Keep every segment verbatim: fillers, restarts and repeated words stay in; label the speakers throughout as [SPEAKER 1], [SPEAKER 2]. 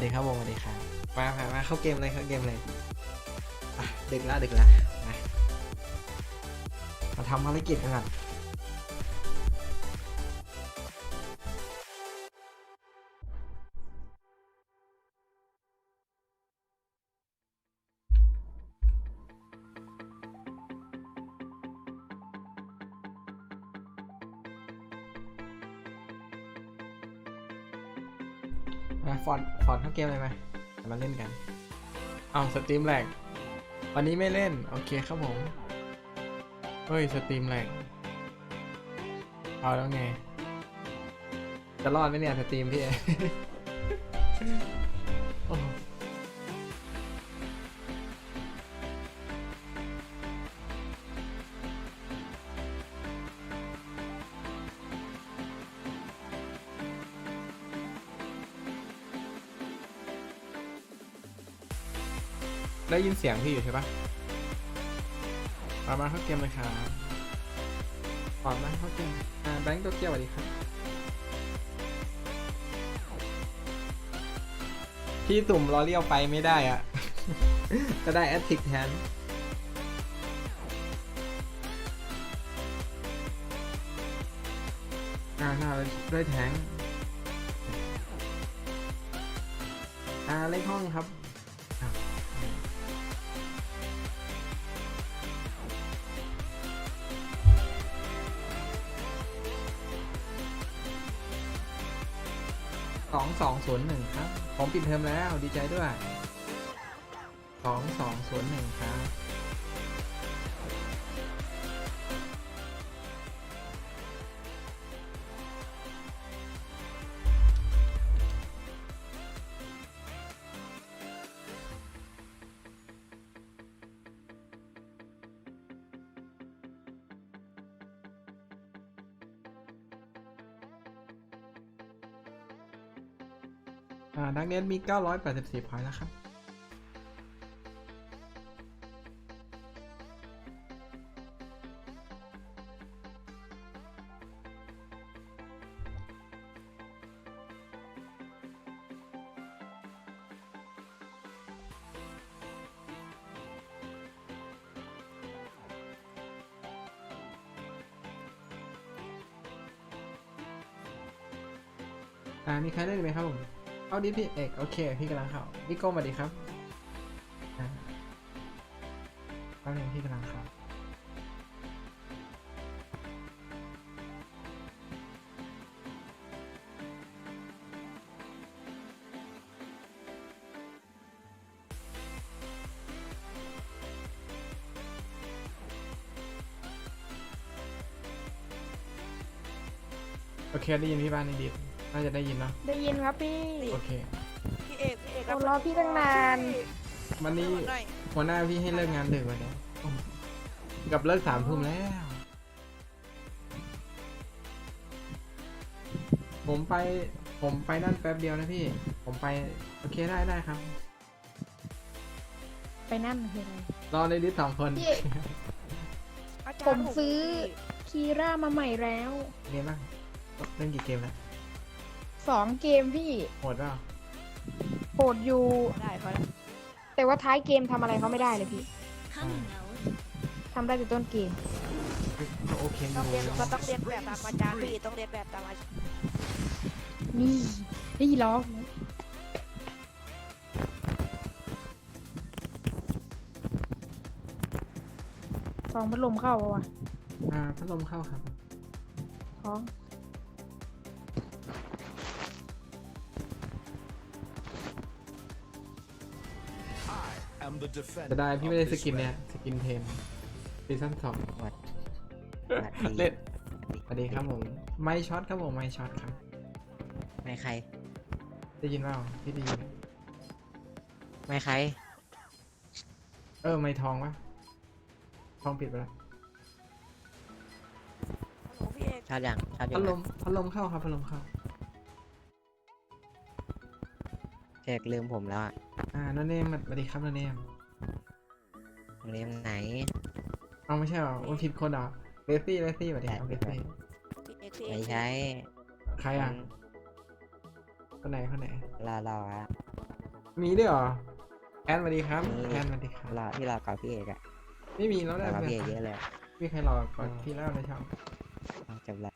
[SPEAKER 1] ดีครับวงสวัสดีครับมามามาเข้าเกมเลยเข้าเกมเลยอ่ะดึกละดึกละมามาทำภารกิจกันก่อนมาฟอนฟอนเข้าเกมเลยไหมมาเล่นกันเอาสตรีมแหลกวันนี้ไม่เล่นโอเคครับผมเฮ้ยสตรีมแหลกเอาแล้วไงจะรอดไหมเนี่ยสตรีมพี่ โอ้ได้ยินเสียงพี่อยู่ใช่ปะมามาเข้าเกมเลยครับปอดมาเข้าเกมอ่าแบงค์ตัวเกียวสวัสดีครับพี่ตุ่มล้อเลี้ยวไปไม่ได้อ่ะ ก็ได้แอตติกแทนอ่าหน้าด้วยแทงอ่าเลขห้องครับสองสองศูนย์หนึ่งครับผมปิดเทอมแล้วดีใจด้วยสองสองศูนย์หนึ่งครับอ่าดักเน็ตมีเก้าร้อยแปดสิบสี่พอยต์แล้วครับอ่ามีใครเล่นไหมครับผมเอาดิพี่เอกโอเคพี่กำลังเข้าพี่โก้สวัสดีครับอ่าแป๊บนึงพี่กำลังเข้าโอเคได้ยินพี่บ้านนี่ดีน่าจะได้ยินเนาะ
[SPEAKER 2] ได้ยินครับพี่
[SPEAKER 1] โอเค
[SPEAKER 3] พี่เอกพี่เอก
[SPEAKER 2] โอ้รอพี่ตั้งนาน
[SPEAKER 1] วันนี้
[SPEAKER 3] หน่อย
[SPEAKER 1] หัวหน้าพี่ให้เลิกงานดึกวันนี้กับเลิกสามทุ่มแล้ว ผมไปผมไปนั่นแป๊บเดียวนะพี่ ผมไปโอเคได้ได้ครับ
[SPEAKER 2] ไปนั่นคืออะไร
[SPEAKER 1] รอในดิสสองคน
[SPEAKER 2] พี่
[SPEAKER 3] อาจารย์
[SPEAKER 2] ผมซื้อคีร่ามาใหม่แล้ว
[SPEAKER 1] เรียนบ้างเล่นกี่เกมแล้ว
[SPEAKER 2] สองเกมพี่
[SPEAKER 1] โหดเปล่า
[SPEAKER 2] โหดอยู่
[SPEAKER 3] ได้พอแล้ว
[SPEAKER 2] แต่ว่าท้ายเกมทำอะไรเขาไม่ได้เลยพี่
[SPEAKER 1] อ่า
[SPEAKER 2] ทำได้แต่ต้นเกม
[SPEAKER 1] ก็โอเคอ
[SPEAKER 3] ต้อง
[SPEAKER 1] ยู่
[SPEAKER 3] เรียนก็ต้องเรียนแบบตามอาจารย์พี่ต้องเรียนแบบตามอาจารย์
[SPEAKER 2] นี่ได้ยินล้อฟองพัดลมเข้าปะวะ
[SPEAKER 1] อ่าพัดลมเข้าครับ
[SPEAKER 2] ท้อง
[SPEAKER 1] จะได้พี่ไม่ได้สกินเนี่ยสกินเทนซีซั่นสอง
[SPEAKER 4] วัดวัดดี
[SPEAKER 1] เล่นสวัสดีครับผมไม่ช็อตครับผมไม่ช็อตครับ
[SPEAKER 4] ไม่ใคร
[SPEAKER 1] ได้ยินเปล่าพี่ได้ยิน
[SPEAKER 4] ไม่ใคร
[SPEAKER 1] เออไม่ทองปะทองปิดไปแล้ว
[SPEAKER 3] โอ้พี่เอก
[SPEAKER 4] ชอบอย่างชอบอย่า
[SPEAKER 1] พั
[SPEAKER 4] ง
[SPEAKER 1] ดลมพัดลมเข้าครับพัดลมเข้า
[SPEAKER 4] แขกลืมผมแล้วอ่ะ
[SPEAKER 1] อ่าโนเนมสวัสดีครับโนเนม
[SPEAKER 4] โรงเรียนไหน
[SPEAKER 1] เอาไม่ใช่เหรอมันผิดคนเหรอเบสซี่เบสซี่สวัสดีครับเบสซี่
[SPEAKER 3] พี่เอกพี่เอก
[SPEAKER 4] ไม่ใช่
[SPEAKER 1] ใครอ่ะคนไหนคนไหน
[SPEAKER 4] รอรออ่ะ
[SPEAKER 1] มีด้วยเหรอแอนสวัสดีครับ
[SPEAKER 4] มี
[SPEAKER 1] แอนสวัสดีครับ
[SPEAKER 4] รอที่รอก่อนพี่เอกอะ
[SPEAKER 1] ไม่มีแล้ว
[SPEAKER 4] ร
[SPEAKER 1] ได้
[SPEAKER 4] อก่อน
[SPEAKER 1] เพื่
[SPEAKER 4] พี่เอกเย
[SPEAKER 1] อน
[SPEAKER 4] อะเลย
[SPEAKER 1] มีใครรอก่อนพี่แล้วในช่อง
[SPEAKER 4] เอาจบแล้ว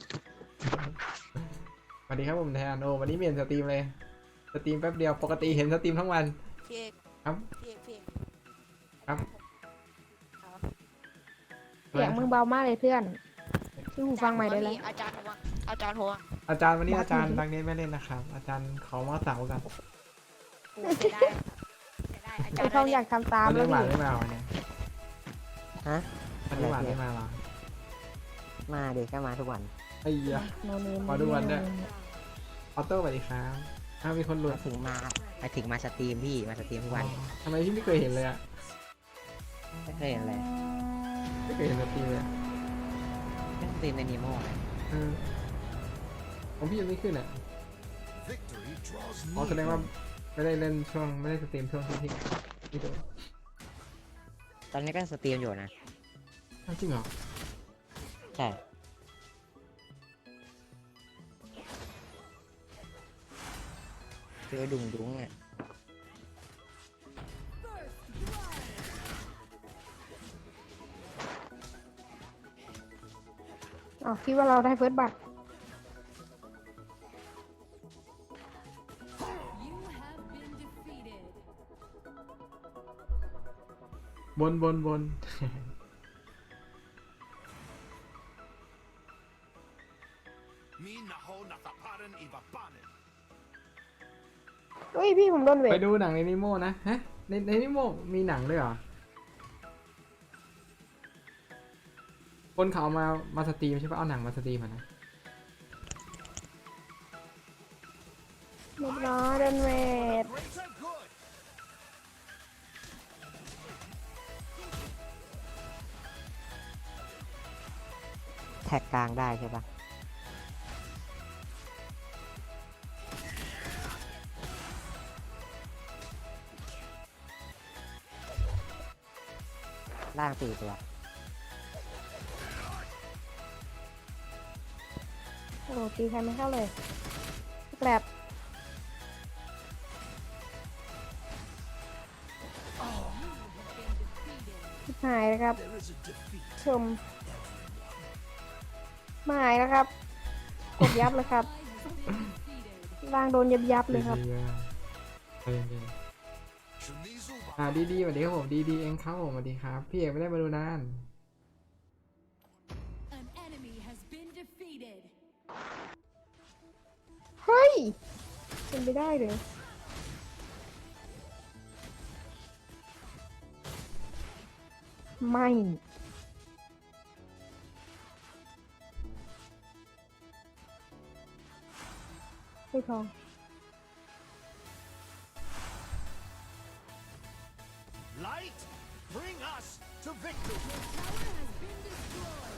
[SPEAKER 1] สวัสดีครับผมแทนโอ้วันนี้เปลี่ยนสตรีมเลยสตรีมแป๊บเดียวปกติเห็นสตรีมทั้งวัน
[SPEAKER 3] พี่เอก
[SPEAKER 1] ครับ
[SPEAKER 3] พี่เอกพี่เอก
[SPEAKER 1] ครับ
[SPEAKER 3] เอา
[SPEAKER 2] เสียงมึงเบามากเลยเพื่อนชื่อหูฟังใหม่ได้แล้ว
[SPEAKER 3] อาจารย์หัวอาจารย์หัว
[SPEAKER 1] อาจารย์วันนี้
[SPEAKER 2] บัส
[SPEAKER 1] อาจารย์
[SPEAKER 2] หนู
[SPEAKER 1] ดังเน้นไม่เล่นนะครับ อาจารย์ขอมาเสาร์กัน
[SPEAKER 3] โอ้เสียดายเสียดายอาจาร
[SPEAKER 2] ไอ้
[SPEAKER 3] ย์
[SPEAKER 2] ทองอยากทำตาม
[SPEAKER 1] วัน
[SPEAKER 2] แล้
[SPEAKER 1] นี้
[SPEAKER 2] ว
[SPEAKER 1] หวาน
[SPEAKER 2] พี่
[SPEAKER 1] ไม่มาวันนี้
[SPEAKER 4] ฮะ
[SPEAKER 1] วันนี้หวานไม่มาเหรอ
[SPEAKER 4] มาดิก็มาทุกวัน
[SPEAKER 1] ไอ้เหี้ย
[SPEAKER 2] โนเนม
[SPEAKER 1] ขอดูวันด้วย ออโต้สวัสดีครับอ้าวมีคนหลุด
[SPEAKER 4] มาถึงมามาถึงมาสตรีมพี่มาสตรีมทุกวัน
[SPEAKER 1] อ๋อทำไมพี่ไม่เคยเห็นเลยอ่ะ
[SPEAKER 4] ไม่เคยเห็นเลย
[SPEAKER 1] ไม่เคยเห็นสตรีมเลยอะ
[SPEAKER 4] เล่นสตรีมในนีโม่นะ
[SPEAKER 1] เออของพี่ยังไม่ขึ้นอ่ะ
[SPEAKER 5] Victory draws
[SPEAKER 1] อ๋อแสดงว่า
[SPEAKER 5] near.
[SPEAKER 1] ไม่ได้เล่นช่วงไม่ได้สตรีมช่วงที่พี่พี่โดน
[SPEAKER 4] ตอนนี้ก็สตรีมอยู่นะ
[SPEAKER 1] อ้าวจริงเหรอ
[SPEAKER 4] ใช่เจอดุงดุงอ่ะ
[SPEAKER 2] อ๋อคิดว่าเราได้เฟิร์สบัตร
[SPEAKER 1] บนบนบน
[SPEAKER 5] Mi naho nataparan ibabanen.
[SPEAKER 2] เฮ้ยพี่ผมโดนเว
[SPEAKER 1] ไป
[SPEAKER 2] ท
[SPEAKER 1] ดูหนังในนิโมนะฮะในในนิโมมีหนังด้วยเหรอคนเขาเอามามาสตรีมใช่ปะเอาหนังมาสตรีมอะนะ
[SPEAKER 2] เรียบร้อยโดนเวท
[SPEAKER 5] Greater good.
[SPEAKER 4] แท็กกลางได้ใช่ปะล่างสี่ตัว
[SPEAKER 2] โอ้โหตีใครไม่เข้าเลยแกลบหายแล้วครับ
[SPEAKER 5] There is a defeat.
[SPEAKER 2] ชมไม่หายแล้วครับกดยับเลยครับร่างโดนยับยับๆเลยครับ
[SPEAKER 1] ดีๆอะใจเย็น
[SPEAKER 5] Shunizu
[SPEAKER 1] ๆอ่าดีดีๆสวัสดีครับผมดีดีๆเองครับผมสวัสดีครับ พี่เอกไม่ได้มาดูนาน
[SPEAKER 6] An enemy has been defeated.
[SPEAKER 2] เฮ้ยเป็นไปได้เลยไม่ไม่ทอง
[SPEAKER 5] light, bring us to victory.
[SPEAKER 6] Tower has been destroyed.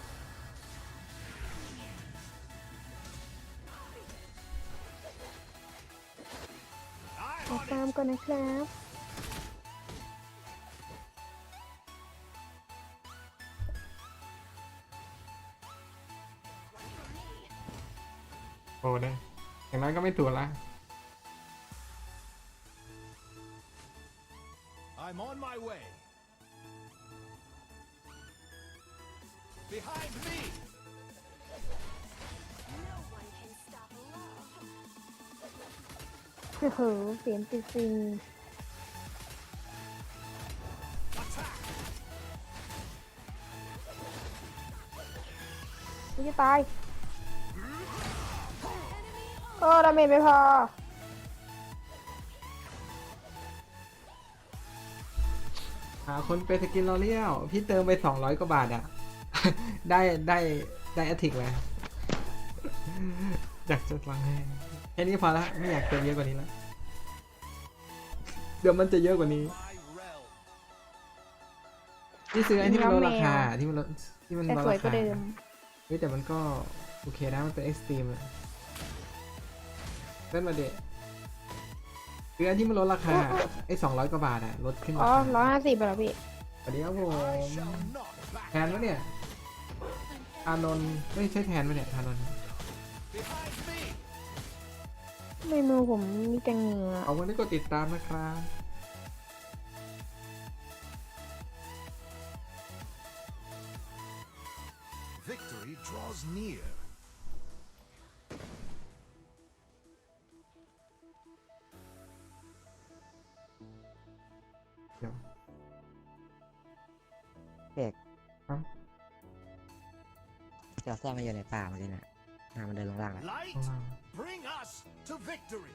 [SPEAKER 2] ขอ
[SPEAKER 5] I'm
[SPEAKER 2] ตาม
[SPEAKER 5] on it.
[SPEAKER 2] ก่อนนะครับ
[SPEAKER 1] โอ้ได้อย่างน้อยก็ไม่ถูกละ
[SPEAKER 5] I'm on my way. Behind me.
[SPEAKER 2] โอ้โหเสียงติดซิง
[SPEAKER 5] Attack.
[SPEAKER 2] กูจะตายโอ้ดาเมจไม่พอ
[SPEAKER 1] หาคนเป็นสกินลอเรียลพี่เติมไปสองร้อยกว่าบาทอะ ได้ได้ได้แอตติกเลยอยากจะฟังให้แค่นี้พอละไม่อยากเติมเยอะกว่านี้แล้วเดี๋ยวมันจะเยอะกว่านี้
[SPEAKER 5] My realm.
[SPEAKER 1] ที่ซื้อไอ้ที่มันลดราคาที่มันลดที่มัน
[SPEAKER 2] แต่
[SPEAKER 1] ลด
[SPEAKER 2] สวย
[SPEAKER 1] ราก
[SPEAKER 2] ว่า
[SPEAKER 1] คา
[SPEAKER 2] เดิม
[SPEAKER 1] เฮ้ยแต่มันก็โอเคนะมันเป็นเอ็กซ์ตรีมเลยเล่นมาเดะคืออันที่มันลดราคาไอ้สองร้อยกว่าบาทอะลดขึ้น
[SPEAKER 2] อ๋อ
[SPEAKER 1] มา
[SPEAKER 2] ร้อยห้าสิบเหรอพี่
[SPEAKER 1] สวัสดีครับผม
[SPEAKER 5] I shall not back
[SPEAKER 1] แทนวะเนี่ยอานนท์ไม่ใช่แทนวะเนี่ยอานนท์
[SPEAKER 5] behind me.
[SPEAKER 2] ในมือผมมีแต่เหงื่อ
[SPEAKER 1] เอาวันนี้ก็ติดตามนะครับ
[SPEAKER 5] Victory draws near.
[SPEAKER 1] เดี๋ยว
[SPEAKER 4] เด็ก
[SPEAKER 1] ครับ
[SPEAKER 4] เจ้าซ่อนมาอยู่ในป่ามาเลยนะอ่ามันเดินลงล่างแล้ว
[SPEAKER 5] Light,
[SPEAKER 1] ข้างล่าง
[SPEAKER 5] bring us to victory.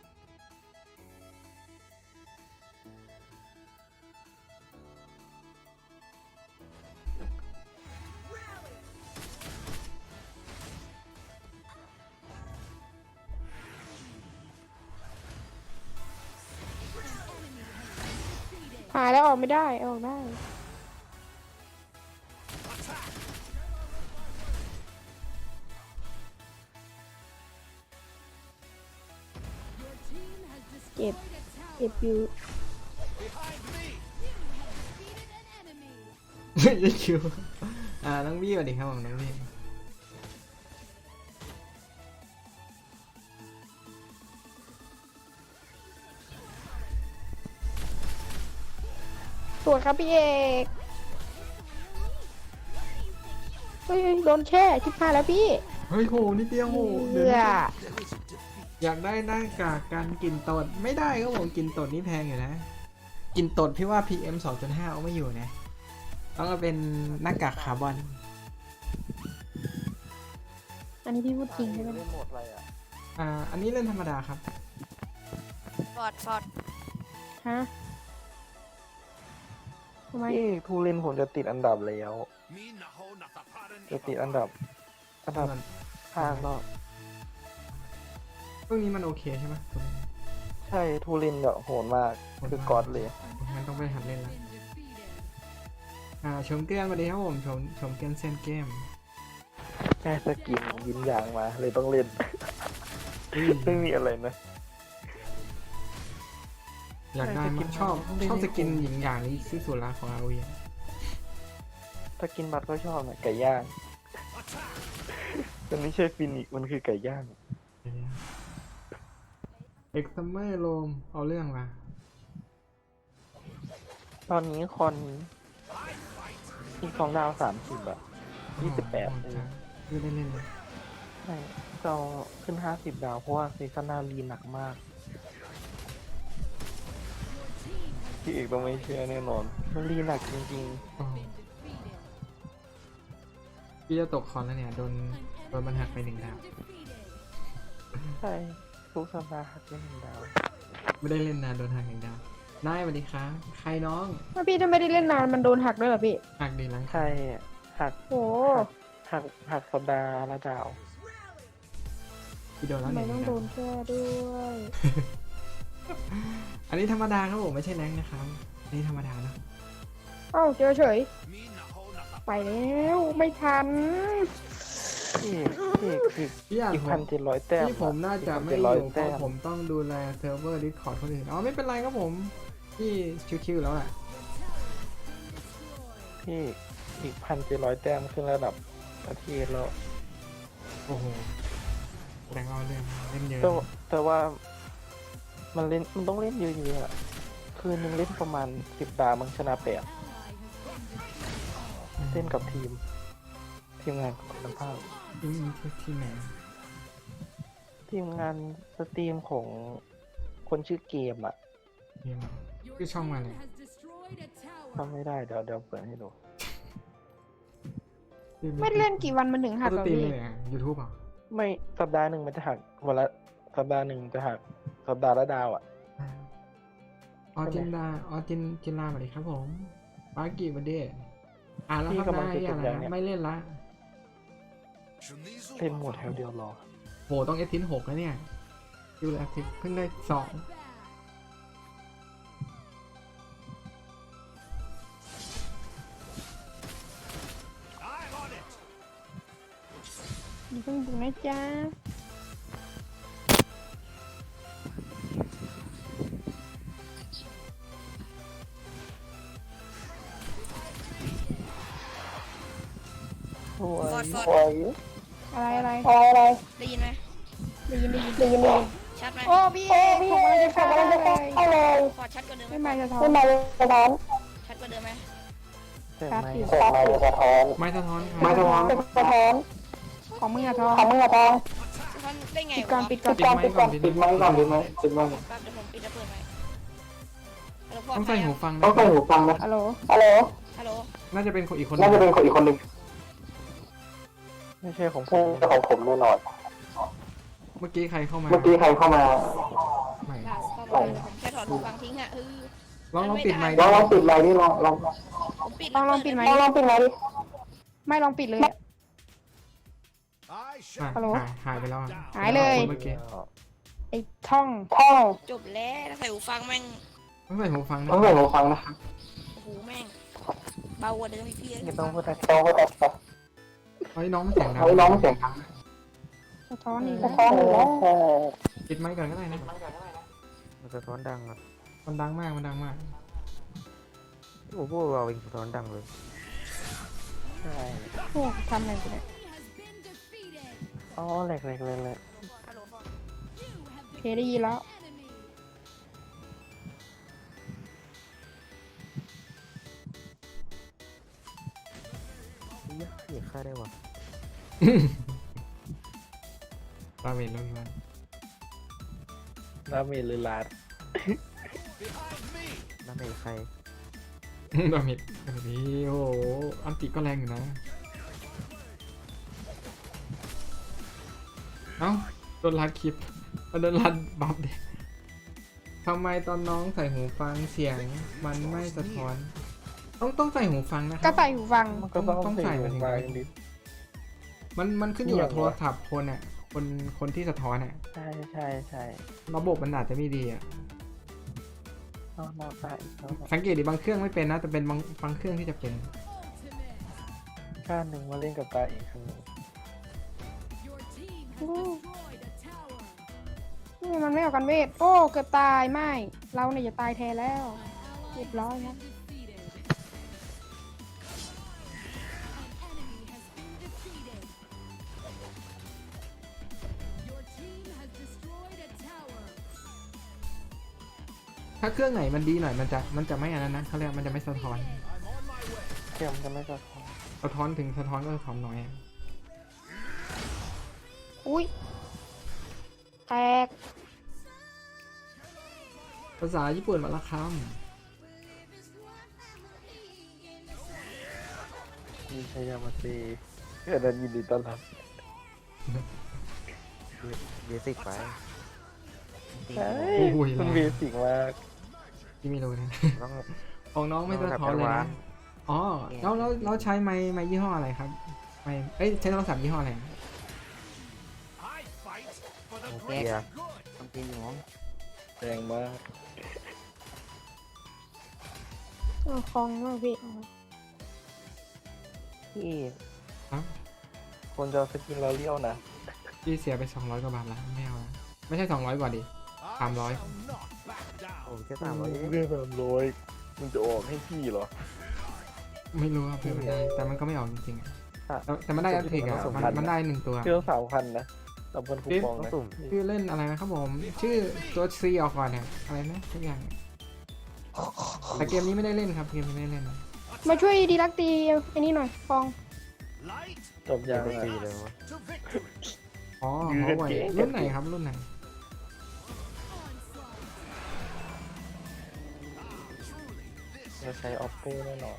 [SPEAKER 2] หายแล้วออกไม่ได้ออกได้
[SPEAKER 5] Attack.
[SPEAKER 6] Your team has destroyed
[SPEAKER 2] เจ็บ
[SPEAKER 6] a tower.
[SPEAKER 2] เจ็บอยู่
[SPEAKER 5] Behind me.
[SPEAKER 6] You have defeated an enemy.
[SPEAKER 1] ยังคิวอ่าน้องบี้สวัสดีครับผมน้องบี้
[SPEAKER 2] สวยครับพี่เอกเฮ้ยโดนแช่ชิบหายแล้วพี่
[SPEAKER 1] เฮ้ยโหนิดเดียวโหเดี๋ยว
[SPEAKER 2] เบื่อ
[SPEAKER 1] นะอยากได้หน้ากากกันกลิ่นตดไม่ได้ครับผมกลิ่นตดนี่แพงอยู่นะกลิ่นตดพี่ว่า พี เอ็ม สองจุดห้า เอาไม่อยู่นะต้องเอาเป็นหน้ากากคาร์บอน
[SPEAKER 2] อันนี้พี่พูดจริงใช่ไหม
[SPEAKER 1] อ่าอันนี้เล่นธรรมดาครับ
[SPEAKER 3] ฟอร์ดฟอร์ด
[SPEAKER 2] ฮะทำไม
[SPEAKER 7] ที่ผู้เล่นผมจะติดอันดับแล้ว
[SPEAKER 5] Me naho nataparan
[SPEAKER 7] จะติดอันดับ อันดับห้าก็
[SPEAKER 1] พวกนี้มันโอเคใช่ไหมตัวนี้
[SPEAKER 7] ใช่ผู้เล่นแบบโหดมากคือกอดเลย
[SPEAKER 1] งั้นต้องไปหัดเล่นแล้ว
[SPEAKER 6] Been defeated.
[SPEAKER 1] อ่าชมเกลียนสวัสดีครับผมชมชมเกลียนเซนเกม
[SPEAKER 7] แค่สกินยินอย่างมา เลยต้องเล่น ไม่มีอะไรนะ
[SPEAKER 1] อยากได้
[SPEAKER 7] ใช่สกิ
[SPEAKER 1] มาก
[SPEAKER 7] น
[SPEAKER 1] ชอบ
[SPEAKER 7] มันไม่ได้
[SPEAKER 1] ชอบสกินหญิงอย่างนี้ที่สุดละของอาวี
[SPEAKER 7] ถ้ากินบัตรก็ชอบนะไก่ย่าง
[SPEAKER 5] Attack.
[SPEAKER 7] มันไม่ใช่ฟินิกซ์มันคือไก่ย่าง
[SPEAKER 1] เอ็กซ์เมอร์โลมเอาเรื่องมา
[SPEAKER 7] ตอนนี้คอนอีกสองดาวสามสิบอะยี่สิบแปด
[SPEAKER 1] โอ้โหไม่ได้เล่นเลย
[SPEAKER 7] ใช่เราขึ้นห้าสิบดาวเพราะว่าซีซั่นหน้ารีหนักมาก พี่เอกต้องไม่เชื่อแน่นอน มันรีหนักจริง
[SPEAKER 1] โอ้โห
[SPEAKER 6] Been defeated.
[SPEAKER 1] พี่จะตกคอนแล้วเนี่ยโดน
[SPEAKER 6] An
[SPEAKER 1] โดนมันหักไปหนึ่ง
[SPEAKER 6] enemy
[SPEAKER 1] ดาว
[SPEAKER 6] has been defeated.
[SPEAKER 7] ๆ ใช่ทุกสัปดาห์หักเป็นหนึ่งดาว
[SPEAKER 1] ไม่ได้เล่นนานโดนหักหนึ่งดาวนายสวัสดีครับใครน้อง
[SPEAKER 2] ถ้าพี่ถ้าไม่ได้เล่นนานมันโดนหักด้วยเหรอพี่
[SPEAKER 1] หักดีหลัง
[SPEAKER 7] ใช่หัก
[SPEAKER 2] โอ้
[SPEAKER 7] หักหักสัปดาห์ละดาว
[SPEAKER 1] พี่โดนแล้
[SPEAKER 2] ทำ
[SPEAKER 1] วห
[SPEAKER 2] ไม
[SPEAKER 1] นึ่ง
[SPEAKER 2] ต้อง
[SPEAKER 1] ดา
[SPEAKER 2] โด
[SPEAKER 1] วน
[SPEAKER 2] แช่ด้วย
[SPEAKER 1] อันนี้ธรรมดาครับผมไม่ใช่แรงนะครับอันนี้ธรรมดานะ
[SPEAKER 2] เอ้าเจอเฉย
[SPEAKER 5] Me naho nataparan.
[SPEAKER 2] ไปแล้วไม่ทัน
[SPEAKER 7] พี่เอกพี่เอกคือ
[SPEAKER 1] พี่อยาก
[SPEAKER 7] อีก
[SPEAKER 1] ผ
[SPEAKER 7] พัน
[SPEAKER 1] ม
[SPEAKER 7] เจ็ดร้อยแต้ม
[SPEAKER 1] ที่ผมน่าจะไม่
[SPEAKER 7] เจ็ด
[SPEAKER 1] อ
[SPEAKER 7] ร้อย
[SPEAKER 1] ยู่เพ
[SPEAKER 7] แต้
[SPEAKER 1] ราะ
[SPEAKER 7] ม
[SPEAKER 1] ผมต้องดูแลเซิร์ฟเวอร์ดิสคอร์ดคนอื่นอ๋อไม่เป็นไรครับผมพี่ชิวๆแล้วแหละ
[SPEAKER 7] พี่เอกอีกพันเจ็ดร้อยแต้มขึ้นระดับประเทศแล้ว
[SPEAKER 1] โอ้โหแรงเอาเรื่องเล่นเยอะ
[SPEAKER 7] แต่ว่าแต่ว่ามันเล่นมันต้องเล่นเยอะๆอะคืนนึงเล่นประมาณสิบดาวมังชนะแปดเล่นกับทีม ทีมงานคุณภาพ
[SPEAKER 1] อืมที่ไหน
[SPEAKER 7] ทีมงานสตรีมของคนชื่อเกมอ่ะ
[SPEAKER 1] นี่มา
[SPEAKER 6] Your
[SPEAKER 1] Cứ xong
[SPEAKER 6] team
[SPEAKER 1] rồi này.
[SPEAKER 6] has destroyed a tower.
[SPEAKER 7] ทำไม่ได้เดี๋ยวเดี๋ยวเปิดให้ดู
[SPEAKER 2] ไม่ได้เล่นกี่วันมันถึงหัก
[SPEAKER 1] ส
[SPEAKER 2] เหรอ
[SPEAKER 1] ตรีม
[SPEAKER 2] พี่
[SPEAKER 1] เลยอ่ะยูทูบอ่ะ
[SPEAKER 7] ไม่สัปดาห์หนึ่งมันจะหักวันละสัปดาห์หนึ่งจะหักสัปดาห์ละดาวอ่ะ
[SPEAKER 1] ออจินดาออจินจินลาสวัสดีครับผมปากิบันเดอ่านแล้วครับนายอะไรนะไม่เล่นละ
[SPEAKER 5] Shunizu
[SPEAKER 7] เล่นหมดแถวเดียวรอ
[SPEAKER 1] โหต้องเอทินหกแล้วเนี่ยดูแลทิเพิ่งได้สอง
[SPEAKER 6] Back.
[SPEAKER 5] I'm on it.
[SPEAKER 2] อย่าเพิ่งบุกนะจ๊ะ
[SPEAKER 7] สวย
[SPEAKER 3] ฟอร์ดฟอร์ด
[SPEAKER 7] สวย
[SPEAKER 2] อะไรอะไร
[SPEAKER 3] ได้ยินไหม
[SPEAKER 2] ได้ยินได้ยินได้ยิน
[SPEAKER 3] ชชัดไหม
[SPEAKER 2] โอ้พี่เอกผมกำลังจะเข้าเลย
[SPEAKER 3] ฟอร์ดชัดกว่าเดิมไหม
[SPEAKER 2] ไม่มาจะท้อ
[SPEAKER 8] ไม่มาสะท้อน
[SPEAKER 3] ชัดกว่าเดิมไหม
[SPEAKER 7] แต่
[SPEAKER 2] ครับ
[SPEAKER 7] ไม่
[SPEAKER 2] พี่
[SPEAKER 8] แต่ไม่สะท้อน
[SPEAKER 1] ไม่สะท้อนครับ
[SPEAKER 8] ไม่สะท้อนสะท้อน
[SPEAKER 2] ของมึงอะท้อ
[SPEAKER 8] ของมึงอะทอง
[SPEAKER 3] สะท้อนได้ไง
[SPEAKER 2] ปิดก่อน
[SPEAKER 3] วะ
[SPEAKER 2] ปิดก่อน
[SPEAKER 1] ปิดไมค์ก่อน
[SPEAKER 8] ปิดไมค์ก่อนปิดไมค์ปิดไมค์
[SPEAKER 3] แป๊บเดี๋ยวผมปิดแล้วเปิดไหมฮัลโหลฟอร์ด
[SPEAKER 1] ต้องใส่หูฟังนะ
[SPEAKER 8] ต้องใส่หูฟังนะ
[SPEAKER 2] ฮัลโหล
[SPEAKER 8] ฮัลโหล
[SPEAKER 3] ฮัลโหล
[SPEAKER 1] น่าจะเป็นคนอีกคน
[SPEAKER 8] น่าจะเป็นคนอีกคนหนึ่ง
[SPEAKER 7] ไม่ใช่ของผ
[SPEAKER 8] ใช่
[SPEAKER 7] ม
[SPEAKER 8] ของผมแน่นอน
[SPEAKER 1] เมื่อกี้ใครเข้ามา
[SPEAKER 8] เมื่อกี้ใครเข้ามา
[SPEAKER 1] ไม่
[SPEAKER 3] ด่าเข้ามาเลยผมแค่ถอดหูฟังทิ้งอะเออ
[SPEAKER 1] ลองลองปิดไมค์
[SPEAKER 8] ลองลองปิดไมค์นี่ลองลอง
[SPEAKER 3] ผมปิด
[SPEAKER 2] ลองลองปิดไหม
[SPEAKER 8] ลองลองปิดไมค์ดิ
[SPEAKER 2] ไม่ลองปิดเลยอะ
[SPEAKER 5] I
[SPEAKER 1] อ่ะ
[SPEAKER 5] shall
[SPEAKER 2] ฮัลโหล
[SPEAKER 1] หายหายไปแล้วอะ
[SPEAKER 2] หายเลย
[SPEAKER 1] เมื่อกี้
[SPEAKER 2] ไอ้ท่อง
[SPEAKER 8] ท่อง
[SPEAKER 3] จบแล้วถ้าใส่หูฟังแม่ง
[SPEAKER 1] ต้องใส่หูฟังนะ
[SPEAKER 8] ต้องใส่หูฟังนะ
[SPEAKER 3] โอ้โหแม่งเบากว่าเดิมอีกพี่เอ้ย
[SPEAKER 7] ไม่ต้องพูดอะไร
[SPEAKER 8] ต้องก็ต้อง
[SPEAKER 1] เฮ้ยน้องมันเสียงดัง
[SPEAKER 8] เฮ้ยน้องเสียงดัง
[SPEAKER 2] สะท้อนอีก
[SPEAKER 8] สะท้อนอีกแล้ว
[SPEAKER 1] ปิดไมค์ก่อนก็ได้นะ
[SPEAKER 4] มันสะท้อนดังอ่ะ
[SPEAKER 1] มันดังมากมันดังมาก
[SPEAKER 4] โอ้โหเราเองสะท้อนดังเลย
[SPEAKER 7] ใช่
[SPEAKER 2] โอ้ทำอะไรกูเนี่ย
[SPEAKER 7] อ๋อแหลกแหลกเลยแหลก
[SPEAKER 3] ฮัลโหลฟอร์ด
[SPEAKER 2] โอเคได้ยินแล้ว
[SPEAKER 4] เหี้ยเหี้ยฆ่าได้วะ
[SPEAKER 1] ตาเวนแล้วพี่วัน
[SPEAKER 7] น้าเมลือลาด
[SPEAKER 5] behind me.
[SPEAKER 4] น้ำเมใคร
[SPEAKER 1] ดาเมจแบบนี้โอ้โหอันติก็แรงอยู่นะ เอ้าโดนลัดคลิปโดนลัดบัฟเด็กทำไมตอนน้องใส่หูฟังเสียงมันไม่สะท้อน ต้องต้องใส่หูฟังนะค
[SPEAKER 2] ก็
[SPEAKER 1] รับ
[SPEAKER 2] ใส่หูฟัง
[SPEAKER 7] มันก็ต้อง
[SPEAKER 1] ต้องใส่
[SPEAKER 7] ใส่
[SPEAKER 1] มาถึง
[SPEAKER 7] มาดิ
[SPEAKER 1] มันมันขึ้นอยู่กับ
[SPEAKER 7] เหี้
[SPEAKER 1] โท
[SPEAKER 7] ยวะ
[SPEAKER 1] รศัพท์คนอ่ะ คนคนที่สะท้อนอ่ะ
[SPEAKER 7] ใช่ใช่ใช่
[SPEAKER 1] ระบบมันอาจจะไม่ดีอ่ะ
[SPEAKER 7] นอกนอกใช่นอก
[SPEAKER 1] สังเกตดิบางเครื่องไม่เป็นนะ แต่เป็นบางบางเครื่องที่จะเป็น
[SPEAKER 7] ข้างหนึ่งมาเล่นกับตาอีกครั้งหนึ่ง
[SPEAKER 2] นี่มันไม่เอากันเวท โอ้ เกือบตายไม่ เราเนี่ยจะตายแทนแล้ว เรียบร้อยครับ
[SPEAKER 1] ถ้าเครื่องไหนมันดีหน่อยมันจะมันจะไม่อันนั้นนะเขาเรียกมันจะไม่สะท้อน
[SPEAKER 7] เทียมจะไม่สะท้อน
[SPEAKER 1] สะท้อนถึงสะท้อนก็สะท้อนน้อยอะ
[SPEAKER 2] อุ้ยแตก
[SPEAKER 1] ภาษาญี่ปุ่นมาละค
[SPEAKER 7] มีชัยยามาซีเกิดยินดีต้อนรับ
[SPEAKER 4] เบสิกไป
[SPEAKER 7] ใช่
[SPEAKER 1] ำโอ้ย
[SPEAKER 7] มัน
[SPEAKER 1] แร
[SPEAKER 7] เบ
[SPEAKER 1] ง
[SPEAKER 7] สิกมาก
[SPEAKER 1] ที่ไม่รู้นะ
[SPEAKER 4] ต้อง
[SPEAKER 1] ของน้องไม่สะท้อนเลยนะ อ๋อแล้วแล้วแล้วใช้ไม้ไม้ยี่ห้ออะไรครับไม้เอ้ยใช้โทรศัพท์ยี่ห้ออะไร
[SPEAKER 5] I fight for the
[SPEAKER 4] Okay.
[SPEAKER 5] greater good.
[SPEAKER 4] ต้องกินหมอง
[SPEAKER 7] แรงมาก
[SPEAKER 2] เอาคลองมากพี่
[SPEAKER 7] พี่
[SPEAKER 1] ครับ
[SPEAKER 7] คนจะเอาสกินเราเลี้ยวนะ
[SPEAKER 1] พี่เสียไปสองร้อยกว่าบาทแล้วไม่เอาละไม่ใช่สองร้อยกว่าดิ
[SPEAKER 5] I
[SPEAKER 1] I'm right.
[SPEAKER 5] shall not back
[SPEAKER 4] โอ้
[SPEAKER 5] down.
[SPEAKER 4] แค่สามร้อยเอง
[SPEAKER 7] เรื่องสามร้อยมันจะออกให้พี่เหรอ
[SPEAKER 1] ไม่รู้ครับเพื่อนมันได้แต่มันก็ไม่ออกจริงๆอะ
[SPEAKER 7] อ่ะ
[SPEAKER 1] แต่แต่มันได้อัพเทคอะมันมันได้หนึ่งตัว
[SPEAKER 7] เที่ยวสามพันนะสามพันคูปอง
[SPEAKER 4] ต้อง
[SPEAKER 7] นะ
[SPEAKER 4] สุ่ม
[SPEAKER 1] ชื่อเล่นอะไรนะครับผม ชื่อตัวซีออกก่อนเนี่ยอะไรนะทุกอย่างอะแต่เกมนี้ไม่ได้เล่นครับเกมนี้ไม่ได้เล่นนะ
[SPEAKER 2] มาช่วยดีลักตีไอ้นี่หน่อยฟอง
[SPEAKER 5] Light
[SPEAKER 7] จบ
[SPEAKER 4] ยั
[SPEAKER 7] ยัง ง
[SPEAKER 4] ไม่
[SPEAKER 7] อะ
[SPEAKER 4] ฟรีเลยวะ
[SPEAKER 5] to victory.
[SPEAKER 1] อ๋อ
[SPEAKER 7] ยื้อ
[SPEAKER 1] หั
[SPEAKER 7] กั
[SPEAKER 1] วน เว่ย
[SPEAKER 7] เก่ง
[SPEAKER 1] รุ่นไหนครับรุ่นไหน
[SPEAKER 7] เราใช้ oppo แน่นอน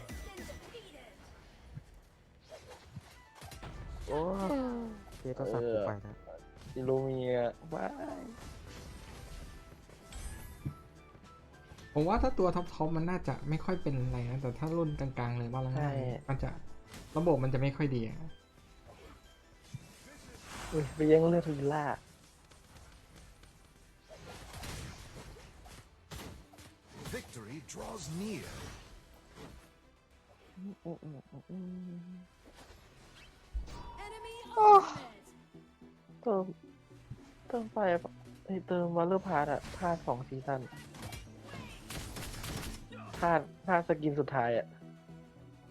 [SPEAKER 4] โอ้เจ๊ต้องสั่งกูไปนะ
[SPEAKER 7] อิลูเมียว้าย
[SPEAKER 1] ผมว่าถ้าตัวท็อปท็อปมันน่าจะไม่ค่อยเป็นอะไรนะแต่ถ้ารุ่นกลางๆเลยว่าแล้วมันจะระบบมันจะไม่ค่อยดีอะ
[SPEAKER 7] อุ้ยไปแย่งเลือดลีล่า
[SPEAKER 5] Victory draws near.
[SPEAKER 2] โอ้
[SPEAKER 7] เติมเติมไปไอยเติมวอลเลอร์พาร์ตอะพลาดสองซีซั่นพลาดพลาดสกินสุดท้ายอะ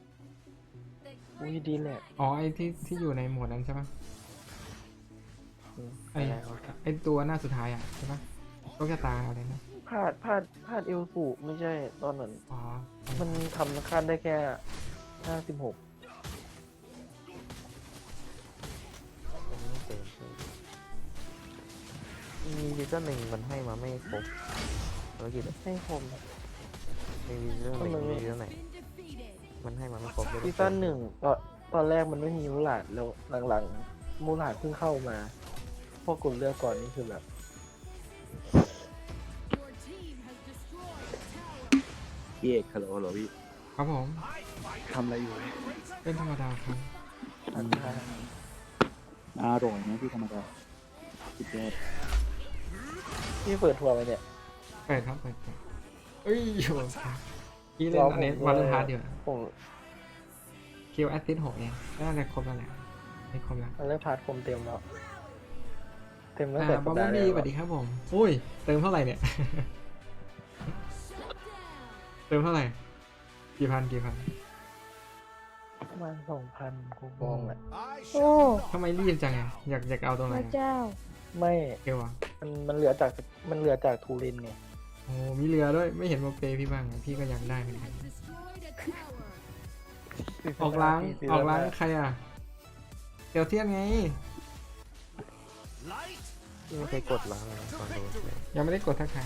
[SPEAKER 7] อุ้ยดีแหละ
[SPEAKER 1] อ๋อไอที่ที่อยู่ในโหมดนั้นใช่ปะไอไอตัวหน้าสุดท้ายอ่ะใช่ปะโชคชะตาอะไรนะ
[SPEAKER 7] พลาดพลาดพลาดเอลสูไม่ใช่ตอนนั้น
[SPEAKER 1] อ๋อ
[SPEAKER 7] มันทำขั้นได้แค่ห้าสิบหก
[SPEAKER 4] มันไม่เต็มมีซีซั่นหนึ่งมันให้มาไม่ครบภารกิจอะ
[SPEAKER 7] ให้ผม
[SPEAKER 4] มีซีซั่นหนึ่ง
[SPEAKER 7] ทำไมไม่
[SPEAKER 4] มีซีซั่นไหน มันให้มาไม่ครบเลย
[SPEAKER 7] ซีซั่นหนึ่งตอนตอนแรกมันไม่มีมูหลาดแล้วหลังๆมูหลาดเพิ่งเข้ามาพอกดเลือกก่อนนี่คือแบบ
[SPEAKER 6] Your team has destroyed a tower.
[SPEAKER 9] พี่เอกฮัลโหลฮัลโหลพี่
[SPEAKER 1] ครับผม
[SPEAKER 9] ทำอะไรอยู่
[SPEAKER 1] เป็นธรรมดาครับ
[SPEAKER 9] อร่อยนะพี่ธรรมดาสุดยอด
[SPEAKER 7] พี่เปิดทัวร์ไปเนี่ย
[SPEAKER 1] เปิดครับเปิดเปิดเอ้ยโหพี่เล่นอันนี้มาเล่นพาร์ทเดียว
[SPEAKER 7] ผม
[SPEAKER 1] คิวแอสซิสหกเองน่าจะครบแล้วแหละไม่ครบแล้ว
[SPEAKER 7] มันเริ่มพาร์ทผมเต็มแล้ว เต็มตั้ง
[SPEAKER 1] อ่า
[SPEAKER 7] แต่
[SPEAKER 1] บ
[SPEAKER 7] สั
[SPEAKER 1] อ
[SPEAKER 7] ป
[SPEAKER 1] ม
[SPEAKER 7] ดาห์
[SPEAKER 1] บี้
[SPEAKER 7] แล้ว
[SPEAKER 1] สวัสดีครับผมอุ้ยเติมเท่าไหร่เนี่ย เติมเท่าไหร่กี่พันกี่พัน
[SPEAKER 7] ประมาณสองพันคูปองแหละ
[SPEAKER 5] I
[SPEAKER 2] โอ้
[SPEAKER 5] shall
[SPEAKER 1] ทำไมรีบจังไงอยากอยากเอาตรงไห
[SPEAKER 2] พ
[SPEAKER 1] น
[SPEAKER 2] ระเจ้า
[SPEAKER 7] ไม่
[SPEAKER 1] เอวอ่ะ
[SPEAKER 7] มันมันเหลือจากมันเหลือจากทูรินไง
[SPEAKER 1] โอ้มีเรือด้วยไม่เห็นมาเปย์พี่บ้างอะพี่ก็อยากได้เหมือนกัน
[SPEAKER 6] Destroyed a tower.
[SPEAKER 1] ออกล้าง
[SPEAKER 7] ซี
[SPEAKER 1] อ
[SPEAKER 7] ซั่
[SPEAKER 1] อน กล้าง
[SPEAKER 7] หน้
[SPEAKER 1] ใครอ่ะเกียวเทียนไง
[SPEAKER 5] light
[SPEAKER 4] ที่ไม่เคยกดล้างเลยนะตอนโดนเลย
[SPEAKER 1] ยังไม่ได้กดทักทาย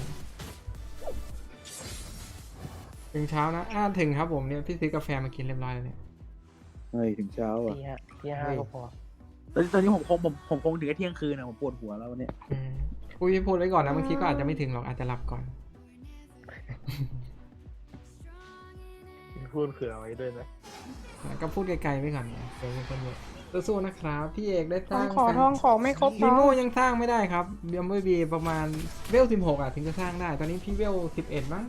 [SPEAKER 1] ถึงเช้านะอ่าถึงครับผมเนี่ยพี่ซื้อกาแฟมากินเรียบร้อยแล้วเนี่ย
[SPEAKER 9] เฮ้ยถึงเช้าอ่ะ
[SPEAKER 7] ที่ห้าที่ห้าก็พอ
[SPEAKER 9] ตอนตอนนี้ผมคงผมผมคงถึงแค่เที่ยงคืนนะผมปวดหัวแล้ววันเนี้ย
[SPEAKER 1] อืมพูดพูดไว้ก่อนนะบางทีก็อาจจะไม่ถึงหรอกอาจจะหลับก่อน
[SPEAKER 7] พูดเผื่อไว้ด้วยนะ
[SPEAKER 1] ก็พูดไกลๆไว้ก่อนเนี่ยเดี๋ยวมีคนเยอะสู้ๆนะครับ พี่เอกได้ส
[SPEAKER 2] ทอ
[SPEAKER 1] ร้าง ง
[SPEAKER 2] ขอทองขอไม่ครบ
[SPEAKER 1] นี
[SPEAKER 2] ทอง
[SPEAKER 1] โมยังสร้างไม่ได้ครับเบียมเบอร์บีประมาณเวลสิบหกอ่ะถึงจะสร้างได้ ตอนนี้พี่เวลสิบเอ็ดมั้ง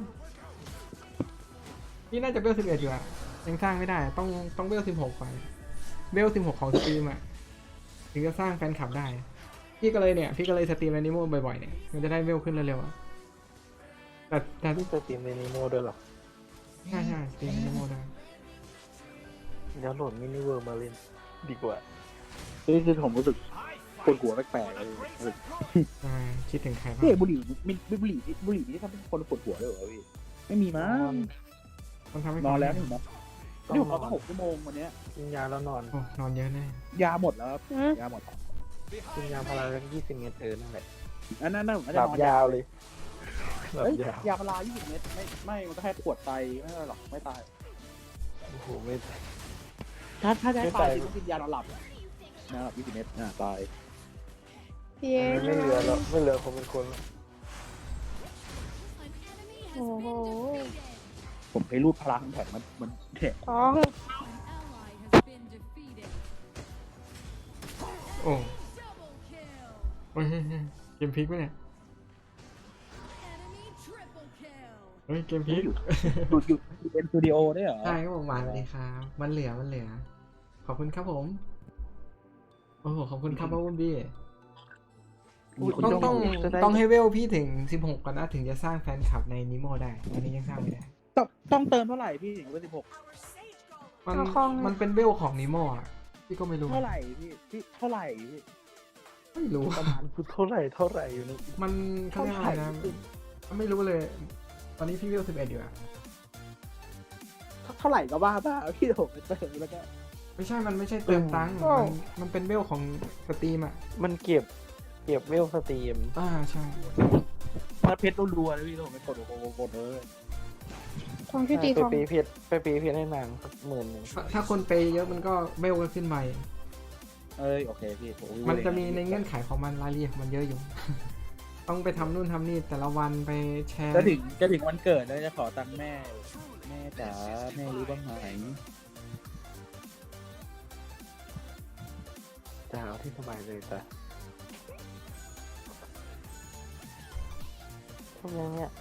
[SPEAKER 1] พี่น่าจะเวลสิบเอ็ดอยู่อ่ะยังสร้างไม่ได้ ต้องต้องเวลสิบหกไปเวลสิบหกของสตรีมอ่ะถึงจะสร้างแฟนคลับได้ พี่ก็เลยเนี่ยพี่ก็เลยสตรีมในนิโมบ่อยๆเนี่ยมันจะได้เวลขึ้นเร็วๆอะแต่แต่
[SPEAKER 7] ที่จะตีมในนีโมด้วยเหรอ
[SPEAKER 1] ใช่ใช่สตรีมในนิโมได้
[SPEAKER 7] เดี๋ยวโหลดมินิเวิร์มาเล่นดีกว่า
[SPEAKER 9] คือคือผมรู้สึกปวดหัวแปลกๆเลยรู้สึก
[SPEAKER 1] ใช่คิดถึงใครบ้าง
[SPEAKER 9] พี่เอกบุหรี่มิบุหรี่บุหรี่นี่ทำให้คนปวดหัวเลยเหรอพี่ไม่มีมั้ง
[SPEAKER 1] ต้องทำให้
[SPEAKER 9] นอนแล้ว
[SPEAKER 1] เขา
[SPEAKER 9] นี่ผมนะนี่ผมนอนตั้งหกชั่วโมงวันเนี้ย
[SPEAKER 7] กินยาแล้วนอน
[SPEAKER 1] โอ้นอนเยอะแน่
[SPEAKER 9] ยาหมดแล้วครับ
[SPEAKER 2] อืม
[SPEAKER 9] ยาหมด
[SPEAKER 7] กินยาพารากันยี่สิบเมตรเออนั่นแหละ
[SPEAKER 9] อันนั้นน่ะผม
[SPEAKER 7] ห
[SPEAKER 9] จะ
[SPEAKER 7] ลับ
[SPEAKER 9] นอน
[SPEAKER 7] ยาวเลยหลับ
[SPEAKER 9] เอ้ย
[SPEAKER 7] ยาว
[SPEAKER 9] ยาพารายี่สิบเม็ดไม่ไม่มันก็แค่ปวดไตไม่เป็นไรหรอกไม่ตาย
[SPEAKER 7] โอ้โหไม่
[SPEAKER 9] ถ้าถ้าจะให้
[SPEAKER 7] ไม่
[SPEAKER 9] ตา
[SPEAKER 7] ตาย ย
[SPEAKER 9] ต้องกินยานอนหลับอะนอนหลับยี่สิบเม็ดอ่าตาย
[SPEAKER 2] พี่เอ
[SPEAKER 7] ไม่เหลือแล้วไม่เหลือคนเป็นคนแล้ว
[SPEAKER 6] An enemy
[SPEAKER 2] โอ้
[SPEAKER 6] has
[SPEAKER 2] โห
[SPEAKER 6] been defeated.
[SPEAKER 9] ผมเคยรูดพลังแข็งมันมันแข็ง
[SPEAKER 2] ทอง
[SPEAKER 6] An ally has been defeated.
[SPEAKER 1] โอ้
[SPEAKER 6] Double kill.
[SPEAKER 1] โอ้ยเกมพลิกปะเนี่ย
[SPEAKER 6] Enemy triple kill.
[SPEAKER 1] เฮ้ยเกมพลิก
[SPEAKER 9] หยุดหยุดหยุดเป็นสตูดิโอได้เหรอ
[SPEAKER 1] ใช่ครับผมหวานสวัสดีครับมันเหลือมันเหลือ ขอบคุณครับผมโอ้โหขอบคุณครับพ่อวุ้นบี้
[SPEAKER 9] มีคน
[SPEAKER 1] ต้อง
[SPEAKER 9] จ้อง
[SPEAKER 1] ต้อง
[SPEAKER 9] จะได้
[SPEAKER 1] ต้องให้เวลพี่ถึงสิบหกก่อนนะถึงจะสร้างแฟนคลับในนิโมได้ตอนนี้ยังสร้างไม่ได้
[SPEAKER 9] ต้องต้องเติมเท่าไหร่พี่ถึงเบอร์สิบหก
[SPEAKER 1] มัน
[SPEAKER 2] เอาคอง
[SPEAKER 1] มันเป็นเวลของนิโมอ่ะพี่ก็ไม่รู้
[SPEAKER 9] เท่าไหร่พี่พี่เท่าไหร่พี่
[SPEAKER 1] ไม่รู้
[SPEAKER 7] ประมาณเท่าไหร่เท่าไหร่อยู่นี่
[SPEAKER 1] มันเขาเรียกอะไรนะไม่รู้เลย ตอนนี้พี่เวลสิบเอ็ดอยู่อะ
[SPEAKER 9] เท่าไหร่ก็บ้าบ้าพี่ผมไปเติมแล้วก็
[SPEAKER 1] ไม่ใช่มันไม่ใช่เติมตังค์มันมันเป็นเวลของสตรีมอ่ะ
[SPEAKER 7] มันเก็บเก็บเวลสตรีม
[SPEAKER 1] อ่าใช่
[SPEAKER 9] มาเพชรรัวๆเลยพี่ผมไปกดกดกดเลย
[SPEAKER 2] ทองชื่อตี
[SPEAKER 7] ไป
[SPEAKER 2] ทอง
[SPEAKER 7] ปีเพชรไปปีเพชรให้นางสักหมื่นหนึ่ง
[SPEAKER 1] ถ้าถ้าคนไปเยอะมันก็เวลก็ขึ้นไป
[SPEAKER 9] เอ้ยโอเคพี่โอ้ย
[SPEAKER 1] มันจะมีในเงื่อนไขของมันรายละเอียดมันเยอะอยู่ ต้องไปทำนู่นทำนี่แต่ละวันไปแชร์
[SPEAKER 9] จะถึงจะถึงวันเกิดแล้วจะขอตังค์แม่ แม่จ๋าแม่รู้บ้างไหม
[SPEAKER 7] จะเอาที่สบายเลยแต่ทำยังเนี่ย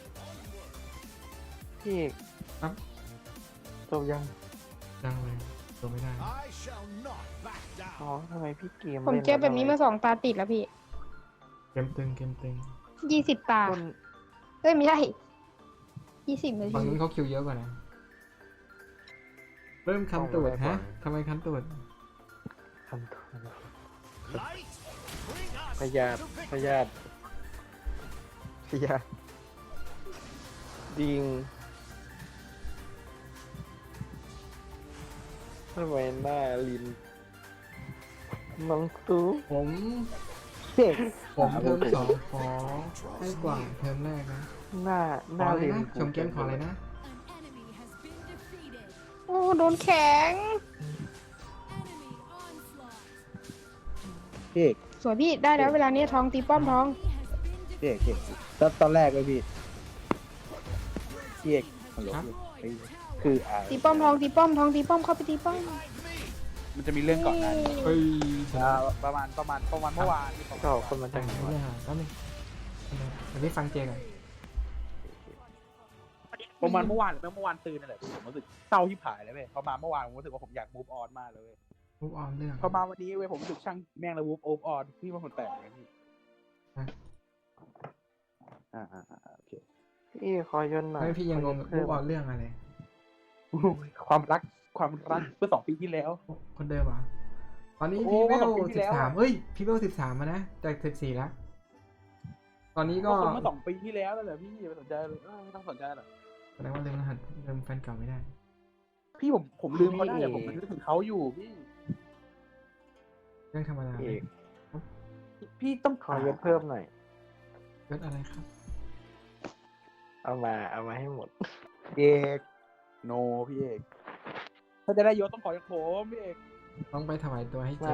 [SPEAKER 7] พี่เอก
[SPEAKER 1] ครับ
[SPEAKER 7] จบยัง
[SPEAKER 1] ดังเลยตัวไม่ได้
[SPEAKER 5] I shall not back
[SPEAKER 7] อ๋อ
[SPEAKER 5] down.
[SPEAKER 7] ทำไมพี่เกม
[SPEAKER 2] ผม
[SPEAKER 7] ล่น
[SPEAKER 2] เจอแบบนี้
[SPEAKER 7] ล้ว
[SPEAKER 2] มาสองตาติดแล้วพี่
[SPEAKER 1] เกมตึงเกมตึง
[SPEAKER 2] ยี่สิบตา
[SPEAKER 7] คน
[SPEAKER 2] เอ้ยไม่ใช่ยี่สิบนา
[SPEAKER 1] ฝั่ง
[SPEAKER 2] ที
[SPEAKER 1] นู้นเขาคิวเยอะกว่านะเริ่มคันตูดฮะทำไมคันตูด
[SPEAKER 7] ทำตัว
[SPEAKER 5] Light, bring
[SPEAKER 7] พยาธิพยาธิ
[SPEAKER 4] เสีย
[SPEAKER 7] ดิงทำไมหน้าลินน้องตู้
[SPEAKER 1] ผม
[SPEAKER 9] เด็ก
[SPEAKER 1] ผมเทอมสองขอให้กว่าเทอมแรกนะ
[SPEAKER 7] หน้าห
[SPEAKER 1] ขอ
[SPEAKER 7] น้า
[SPEAKER 1] อะไร
[SPEAKER 7] ลิน
[SPEAKER 1] นะชมเกมขออะไรนะ
[SPEAKER 6] An enemy has been defeated.
[SPEAKER 2] โอ้โดนแข็ง
[SPEAKER 6] Enemy onslaught.
[SPEAKER 9] พี่เอก
[SPEAKER 2] สวยพี่ได้แล้วเวลานี้ทองตีป้อมทอง
[SPEAKER 6] He has been
[SPEAKER 9] พี่เอกพี่เอกตอนตอนแรกเลยพี่พี่เอกฮัลโหล
[SPEAKER 1] ครับ
[SPEAKER 9] พี่คืออ่า
[SPEAKER 2] ตีป้อมทองตีป้อมทองตีป้อมเข้าไปตีป้อม
[SPEAKER 9] มันจะมีเรื่องก่อนหน้านี้
[SPEAKER 1] เฮ้ย
[SPEAKER 9] อ่าประมาณประมาณประมาณเมื่อวานที่ผม
[SPEAKER 7] ก็คนมา
[SPEAKER 1] จั
[SPEAKER 7] จาก
[SPEAKER 1] ง
[SPEAKER 7] ไหน
[SPEAKER 1] ไม่
[SPEAKER 7] วะ
[SPEAKER 1] ได้หาแป๊บนึงเดี๋ยวพี่ฟังเจก่อน
[SPEAKER 9] ประมาณเมื่อวานหรือไม่เมื่อวานตื่นนั่นแหละพี่ผมรู้สึกเศร้าที่ผายเลยเว้ยพอมาเมื่อวานผมรู้สึกว่าผมอยาก move on มากเลยเว้ย
[SPEAKER 1] รูปออมเรื่อง
[SPEAKER 9] พอมาวันนี้เว้ยผมรู้สึกช่างแม่งแล้ว move move on พี่เป็นคนแปลกไงพี่อ่าอ่าอ่าโอเค
[SPEAKER 7] พี่ขอยนหน่อย
[SPEAKER 1] ไม่พี่ยังงงรูปออมเรื่องอะไร
[SPEAKER 9] ความรักความรักเมื่อสองปีที่แล้ว
[SPEAKER 1] คนเดิมเหรอตอนนี้
[SPEAKER 9] โอ้
[SPEAKER 1] พี่เว
[SPEAKER 9] สอ
[SPEAKER 1] ล
[SPEAKER 9] งปีที่
[SPEAKER 1] สิ
[SPEAKER 9] แล้
[SPEAKER 1] บ
[SPEAKER 9] ว
[SPEAKER 1] สาม
[SPEAKER 9] อะ
[SPEAKER 1] เฮ้ยพี่เวลสิบสามมานะจากสิบสี่แล้วตอนนี้ก็
[SPEAKER 9] ก็คนเมื่อสองปีที่แล้วนั่นแหละพี่ไม่สนใจเลยเออไม่ต้องสนใจหรอก
[SPEAKER 1] แสดงว่าลืมรหัสลืมแฟนเก่าไม่ได้
[SPEAKER 9] พี่ผมผมลืมเขาได้แต่ผมนึกถึงเขาอยู่พี่
[SPEAKER 1] เรื่องธรรมดา
[SPEAKER 7] เอก
[SPEAKER 9] พี่ต้อง
[SPEAKER 7] ขอยศเพิ่มหน่อย
[SPEAKER 1] ยศอะไรครับ
[SPEAKER 7] เอามาเอามาให้หมด
[SPEAKER 9] เอกโนพี่เอกถ้าจะได้ยศต้องขอจากผมพี่เอก
[SPEAKER 1] ต้องไปถวายตัวให้เจ